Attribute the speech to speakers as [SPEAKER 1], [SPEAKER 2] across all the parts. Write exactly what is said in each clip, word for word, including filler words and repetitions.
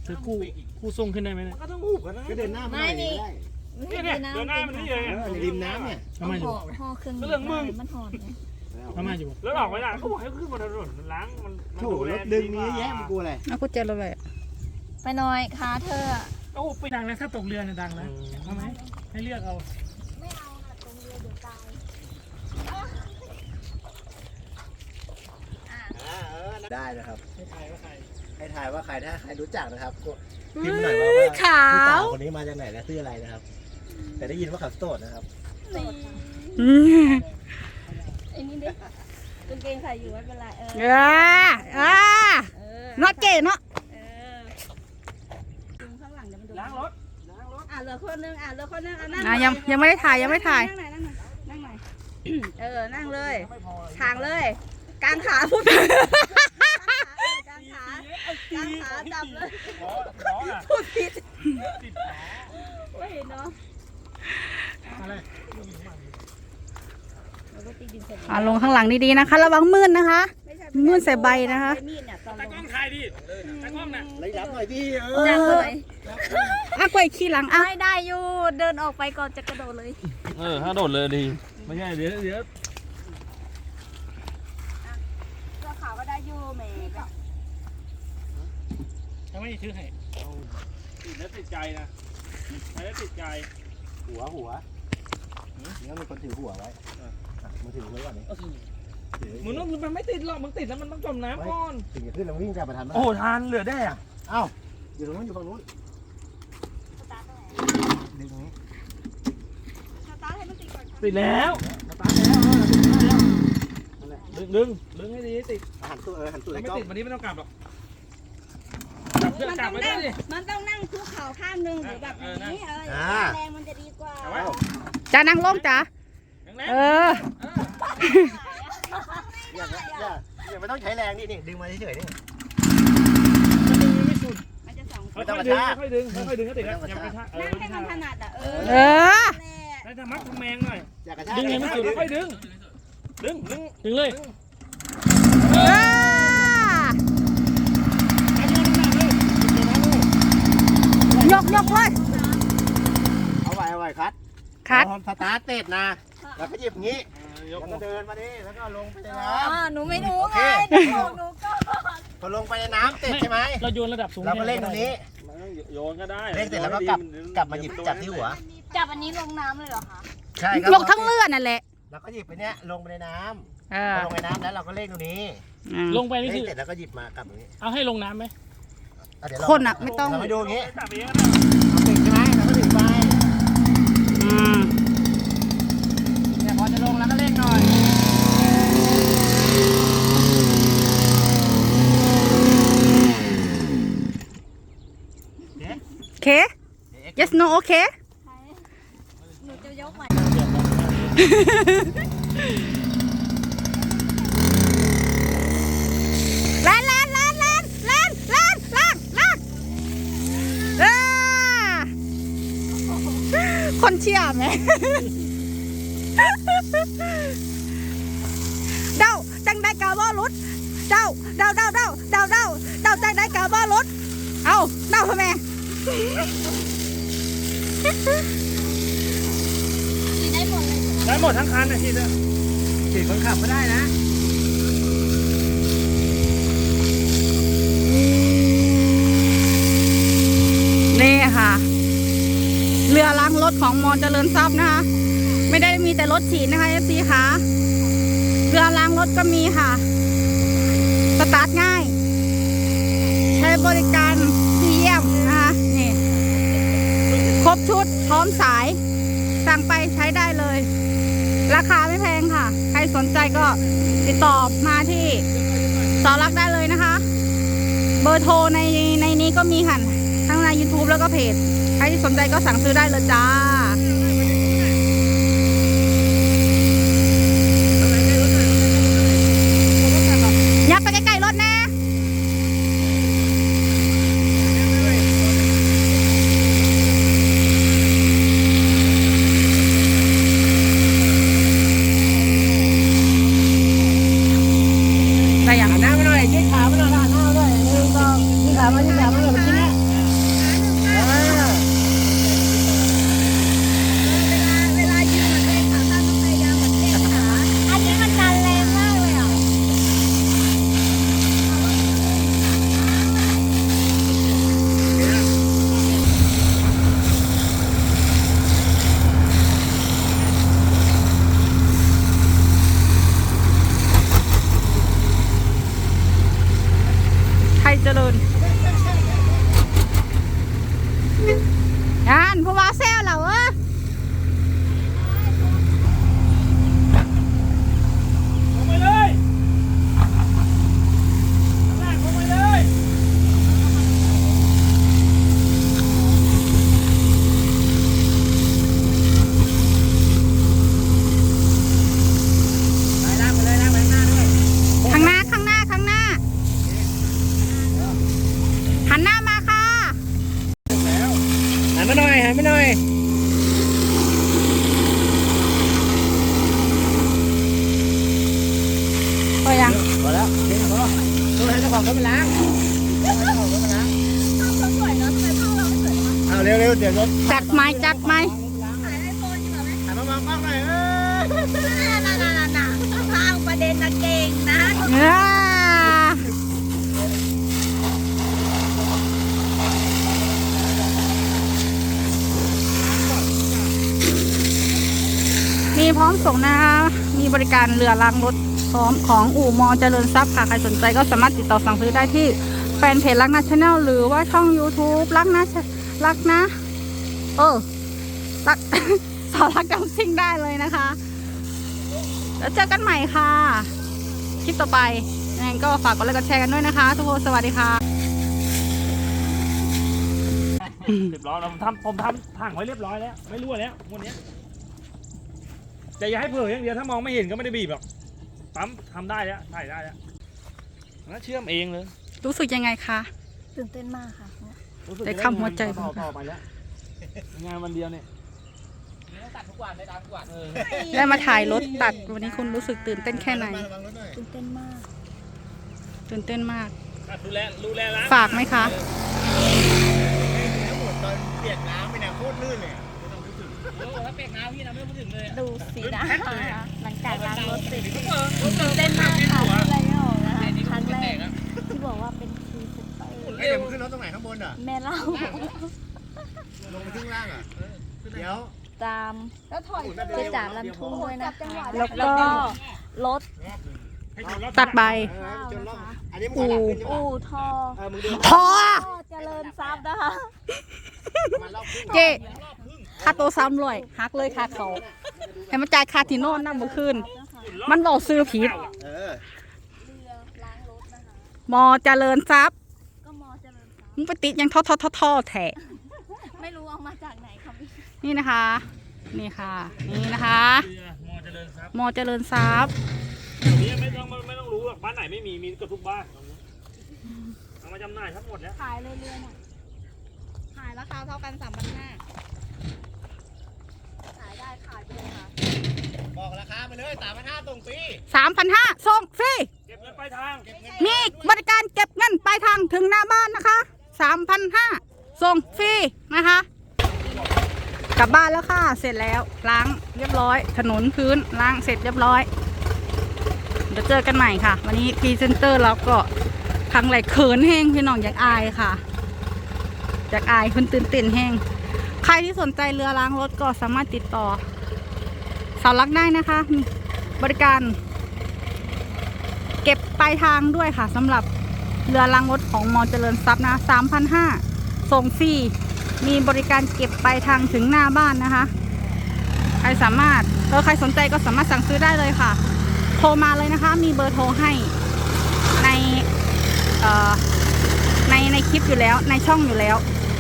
[SPEAKER 1] เธอกู้กู้ส่งขึ้นได้ไหมเนี่ย
[SPEAKER 2] ก็ต้องหูกันนะก็เดินหน้ามาหน่อยได้
[SPEAKER 1] เนี่ยเนี่ยเดินหน้ามันนี่เลย
[SPEAKER 2] ริมน้ำเนี่ย
[SPEAKER 1] ทำไมอยู่
[SPEAKER 3] ห่อเครื่อง
[SPEAKER 1] เรื่องมึง
[SPEAKER 3] มันหอนไง
[SPEAKER 1] ทำไมอยู่
[SPEAKER 4] แล้วออกไม่ได้เขาบอกให้ขึ้นบนถนนมันล้างมัน
[SPEAKER 2] โถรถดึงนี้แย่มันกลัวอะไร
[SPEAKER 5] เอากุญแจรถไป
[SPEAKER 3] ไปหน่อยขาเธอ
[SPEAKER 1] โอ้ไปดังนะถ้าตกเรือเนี่ยดังนะทำไมให้เลือกเอา
[SPEAKER 3] ไม่เอาค่ะตรงเรือเดี๋ยวตาย
[SPEAKER 2] ได้นะครับ
[SPEAKER 1] ให้ถ่ายว่าใคร
[SPEAKER 2] ให้ถ่ายว่าใครถ้าใครรู้จักนะครับพิมพ์หน่อยว่าว่า
[SPEAKER 5] ขาว
[SPEAKER 2] คนนี้มาจากไหนและชื่ออะไรนะครับ แต่ได้ยินว่าเขาโสดนะครับ
[SPEAKER 3] ไอ้นี่ดิกางเกงใส่อยู่ไม่เป็นไรเออ
[SPEAKER 5] อ่าอ่าเนาะเก๋เนาะ
[SPEAKER 3] เออดึงข้างหลังเดี๋ยวมันดู
[SPEAKER 4] ล้างรถ
[SPEAKER 3] อ่ะเหลือคนนึงอ่ะเหลือคนนึงอ่ะนั่ง
[SPEAKER 5] อ่ะยังยังไม่ได้ถ่ายยังไม่ถ่าย
[SPEAKER 3] นั่งไหนนั่งไหนนั่งไหนเออนั่งเลยทางเลยกางขาพูดกางขากางขาจับเลยพูดผิดโอ้ยเนาะ
[SPEAKER 1] อะไร
[SPEAKER 5] อ่าลงข้างหลังดีๆนะคะระวังมืดนะคะมืดใส่ใบนะคะ
[SPEAKER 1] ตากล้องถ่ายดิตากล้องน่ะ
[SPEAKER 2] ระยับหน่อยดิเอ
[SPEAKER 5] เอ
[SPEAKER 2] อ
[SPEAKER 5] ออ่ะกล้วยขี้หลังอ่ะ
[SPEAKER 3] ไม่ได้อยู่เดินออกไปก่อนจะกระโดดเลย
[SPEAKER 4] เออถ้าโดดเลยดีไม่ใช่เดี๋ยวเดี๋ยว
[SPEAKER 3] เสื้อขาวก็ได้อยู่แม่
[SPEAKER 1] ทำไมถือให้
[SPEAKER 4] ติดแล้วติดใจนะไปแล้วติดใจ
[SPEAKER 2] หัวหัวเนี่ยมีคนถือหัวไว้มาถือไว้ก่อนนี้
[SPEAKER 4] มึงต้องมันไม่ติดหรอกมึงติดแล้วมันต้องจมน้ำก่อน
[SPEAKER 2] ถึงจะขึ้นแล้ววิ่งกลับมาทันไหม
[SPEAKER 4] โอ้ทานเหลือได้อะ
[SPEAKER 2] เอ้าอยู่ตรงนู้นอยู่ฝั่งนู้นดึงตรงนี้
[SPEAKER 3] สตาร์ทให้มันติดก่อน
[SPEAKER 4] ติดแล้ว
[SPEAKER 2] สตาร์ทแล้วเออติดได้แล้วนั่นแหละ
[SPEAKER 4] ดึงดึงดึงให้ดีติด
[SPEAKER 2] หันตัวเออหันตัว
[SPEAKER 4] ถ้า
[SPEAKER 2] ไอ้
[SPEAKER 4] ไม่
[SPEAKER 2] กล้อง
[SPEAKER 4] ติดวันนี้ไม่ต้องกลับหรอกกลับเพื่อกลับไปด้วยดิ
[SPEAKER 3] มันต้องนั่งคุกเข่าข้างหนึ่งหรือแบบนี้เออแรงมันจะดีกว่า
[SPEAKER 4] เอาไว้
[SPEAKER 5] จะนั่งลงจ้ะ
[SPEAKER 4] แรง
[SPEAKER 5] เออ
[SPEAKER 2] อย่าอย่าอย่าไม่ต้องใช้แรงนี่นี่ดึงมาเฉยๆนี่
[SPEAKER 3] มันจะสอง
[SPEAKER 4] ค่อยๆดึงค่อยๆดึงค่อยๆดึงก็ติดแล้วอย่าไปกระชากเออ
[SPEAKER 3] นั่งให้มันถนัดอ่ะเออ
[SPEAKER 5] เออ
[SPEAKER 4] แล้วจะมัดทำแมงหน่อย
[SPEAKER 2] อย่ากระชาก
[SPEAKER 4] ดึงเลยไม่สุดค่อยๆดึงดึงดึง
[SPEAKER 1] ดึงเลย
[SPEAKER 5] เออยกยกเลย
[SPEAKER 2] เอาไว้เอาไว้คัด
[SPEAKER 5] คัด
[SPEAKER 2] สตาร์ทเสร็จนะแล้วก็หยิบงี้แล้วก็เดินมาดิแล้วก็ลงไปในน้
[SPEAKER 3] อ๋อหนูไม่รู้ไงหนูหนูก็
[SPEAKER 2] ำพอลงไปในน้ำเสร็จใช่ไหม
[SPEAKER 1] เราโยนระดับสูง
[SPEAKER 2] เราก็เล่นตรงนี้
[SPEAKER 4] โยนก็ได้
[SPEAKER 2] เล่นเสร็จแล้วก็กลับกลับมาหยิบจับที่หัว
[SPEAKER 3] จับอันนี้ลงน้ำเลยเหรอคะ
[SPEAKER 2] ใช่ครับ
[SPEAKER 5] ยกทั้งเลือดนั่นแหละ
[SPEAKER 2] แล้วก็หยิบไปเนี้ยลงไปในน้
[SPEAKER 5] เอ
[SPEAKER 2] ำพ
[SPEAKER 5] อ
[SPEAKER 2] อลงในน้ำแล้วเราก็เล่นตรงนี้
[SPEAKER 1] ลงไปนี่
[SPEAKER 2] เล่
[SPEAKER 1] คื
[SPEAKER 2] น
[SPEAKER 1] อ
[SPEAKER 2] เสร็จแล้วก็หยิบมากลับตรงนี้
[SPEAKER 1] เอาให้ลงน้ำไหม
[SPEAKER 2] อ่ะเดี๋ยวเรา
[SPEAKER 5] คนอ่ะไม่ต้อง
[SPEAKER 2] เราไปดูอย่างงี้
[SPEAKER 4] จับเองนะ
[SPEAKER 2] เอาติดใช่ไหมเราก็ถึงไป
[SPEAKER 5] อืม
[SPEAKER 2] เนี่ยพอจะลงแล้วก็เล่นหน่อย
[SPEAKER 5] โอเค yes no โอเค
[SPEAKER 3] หนูจะยกใหม่
[SPEAKER 5] แลนแลนแลนแลนแลนแลนแลนแลนเออคนเชี่ยไหม เดาจังได้กาบ่รุดเดาเดาเดาเดาเดาเดาเดาจังได้กาบ่รุดเอาเดาทำไม
[SPEAKER 3] ได้หมดเลย
[SPEAKER 4] ได้หมดทั้งคันนะทีเดียว
[SPEAKER 2] ติดคนขับก็ได้นะ
[SPEAKER 5] นี่ค่ะ เรือล้างรถของมอเจริญทรัพย์นะคะ ไม่ได้มีแต่รถฉีดนะคะเอฟซีค่ะเรือล้างรถก็มีค่ะ สตาร์ทง่าย ใช้บริการดีเยี่ยมนะคะนี่ครบชุดพร้อมสาย สั่งไปใช้ได้เลย ราคาไม่แพงค่ะ ใครสนใจก็ติดต่อมาที่สอรักได้เลยนะคะ เบอร์โทรในในนี้ก็มีค่ะทั้งใน ยูทูบ แล้วก็เพจ ใครที่สนใจก็สั่งซื้อได้เลยจ้า ยับไปใกล้ๆรถนะได้ยัง
[SPEAKER 2] หันหน้ามาหน่อยยืดขามาหน่อยหันหน้ามาด้วยหนึ่งสองยืดขามายืดขามาหน่อยเมื่อกี้เนี่ย
[SPEAKER 5] อ่านผู้ว่าแซวเราเออ
[SPEAKER 1] ลงไปเลยลากลงไปเลยไปลากไปเลยลากไปข้างหน้าด้วย
[SPEAKER 5] ข้างหน้าข้างหน้าข้างหน้าหันหน้ามาค่ะ
[SPEAKER 2] หันมาหน่อยหันมาหน่อย
[SPEAKER 5] พอยัง
[SPEAKER 2] พอแล้วเดี๋ยวพอตัวให้เจ้าของเขาไปล้างเจ้าของเขาไปล้าง
[SPEAKER 3] ภาพเราสวยเนอะทำไมภาพเราไม่สวยวะ
[SPEAKER 2] เอาเร็วเร็วเดี๋ยวรถ
[SPEAKER 5] จัดไม้จัดไม้
[SPEAKER 3] ถ่ายไอโฟนอยู่เหรอไหม
[SPEAKER 2] หันมามองกล้องหน่อยเออ
[SPEAKER 3] น่าน่าน่าน่าทางประเด็นนะเก่งนะ
[SPEAKER 5] เออมีพร้อมส่งนะคะ มีบริการเรือล้างรถพร้อมของอู่มอเจริญทรัพย์ค่ะ ใครสนใจก็สามารถติดต่อสั่งซื้อได้ที่แฟนเพจรักนะชาแนลหรือว่าช่อง YouTube รักนะรักนะ เออรัก สาวรักจำซิ่งได้เลยนะคะ แล้วเจอกันใหม่ค่ะ คลิปต่อไปยังไงก็ฝากกดไลค์กดแชร์กันด้วยนะคะ ทุกคนสวัสดีค่ะ
[SPEAKER 1] เรียบร้อยแล้วผมทำผมทำถังไว้เรียบร้อยแล้วไม่รั่วแล้ววันนี้แต่อย่าให้เผลออย่างเดียวถ้ามองไม่เห็นก็ไม่ได้บีบหรอกปั๊มทำได้แล้วถ่ายได้แล้วแล้วเชื่อมเองเลย
[SPEAKER 5] รู้สึกยังไงคะ
[SPEAKER 3] ตื่นเต้นมากค่ะ
[SPEAKER 1] รู้สึก
[SPEAKER 5] ได้คำหัวใจ
[SPEAKER 1] ต่อต่อไปแล้วงานวันเดียวเนี่ย
[SPEAKER 5] ได้มาถ่ายรถตัดวันนี้คุณรู้สึกตื่นเต้นแค่ไหน
[SPEAKER 3] ตื่นเต้นมาก
[SPEAKER 5] ตื่นเต้นมาก
[SPEAKER 1] ดูแลดูแลร้าน
[SPEAKER 5] ฝากไหมคะ
[SPEAKER 2] ทั้งหมดตอนเปียกน้ำไปเนี่ยโคตรลื่นเลย
[SPEAKER 1] ถ้าเปียกน้ำพี่นะไม่พูดถึงเลย
[SPEAKER 3] ดูสีหน้านะคะหลังจากล้างรถเสร็จตื่นเต้นมากค่ะอะไรไม่ออกนะคะครั้งแรกที่บอกว่าเป็นพรีเซนเตอร์
[SPEAKER 2] เฮ้ยเดี๋ยวมึงขึ้นรถตรงไหนข้างบนอ่ะ
[SPEAKER 3] แม่เล่า
[SPEAKER 2] ลงไปข้างล่างอ่ะเดี๋ยว
[SPEAKER 3] ตามเพื่อจ่าลันทุ่งด้วยนะคะ
[SPEAKER 5] แล้
[SPEAKER 3] แล้ว ว
[SPEAKER 5] ก็
[SPEAKER 3] ก็รถ
[SPEAKER 5] ตัดใบ
[SPEAKER 2] จนรอบอันนี้มึงถอยหลังขึ้นใช่ปะ
[SPEAKER 3] อู่ทอ
[SPEAKER 2] เออมึงเดิน
[SPEAKER 5] พอ
[SPEAKER 3] พ่อเจริญทรัพย์นะคะ
[SPEAKER 2] มารอบครึ่ง
[SPEAKER 5] เจ๊ค่าตัวซ้ำรวยหักเลยค่าเขาให้มันจ่ายค่าที่โน่นนั่นเมื่อคืน มันบอกซื้อผิด
[SPEAKER 2] เออ
[SPEAKER 3] เรือล้างรถนะคะ
[SPEAKER 5] มอเจริญทรัพย์
[SPEAKER 3] ก็มอเจริญทรัพย์
[SPEAKER 5] มึงไปติดยังท่อท่อท่อท่อแถะ
[SPEAKER 3] ไม่รู้เอามาจากไหนครับพี่
[SPEAKER 5] นี่นะคะ นี่ค่ะ นี่นะคะ
[SPEAKER 1] เรือมอเจริญทรัพย์
[SPEAKER 5] มอเจริญทรัพย์
[SPEAKER 1] เดี๋ยวนี้ไม่ต้องไม่ต้องรู้หรอกบ้านไหนไม่มีมีเกับทุกบ้านเอามาจำหน่ายทั้งหมดแล้ว
[SPEAKER 3] ขายเลยเรือน่ะ
[SPEAKER 5] ขายราคาเท่ากันสามพันห้า
[SPEAKER 3] ขายได้ขายไปเลยค่ะ
[SPEAKER 2] บอกราคาไปเลยสามพันห้าตรงฟรี
[SPEAKER 5] สามพันห้าส่งฟรี
[SPEAKER 1] เก็บเงินปลายทาง
[SPEAKER 5] มีบริการเก็บเงินปลายทางถึงหน้าบ้านนะคะสามพันห้าส่งฟรีนะคะ กลับบ้านแล้วค่ะ เสร็จแล้ว ล้างเรียบร้อย ถนนพื้นล้างเสร็จเรียบร้อย เดี๋ยวเจอกันใหม่ค่ะ วันนี้พรีเซนเตอร์เราก็ครั้งแรกเขินแห้งพี่น้องอยากอายค่ะ อยากอายคุณตื่นเต้นแห้ง ใครที่สนใจเรือล้างรถก็สามารถติดต่อสาวรักได้นะคะมีบริการ เก็บปลายทางด้วยค่ะสำหรับเรือล้างรถของมอเจริญทรัพย์นะ สามพันห้าร้อย ส่งฟรีมีบริการเก็บปลายทางถึงหน้าบ้านนะคะ ใครสามารถเออใครสนใจก็สามารถสั่งซื้อได้เลยค่ะ โทรมาเลยนะคะ มีเบอร์โทรให้ในเอ่อในในคลิปอยู่แล้วในช่องอยู่แล้ว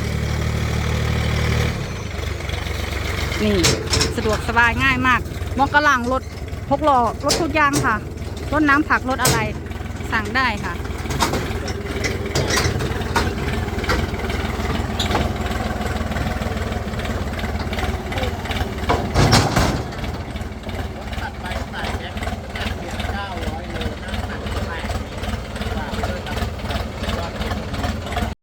[SPEAKER 5] นี่สะดวกสบายง่ายมากมองกระหลังรถพกล้อรถทุกอย่างค่ะรถน้ำผักรถอะไรสั่งได้ค่ะ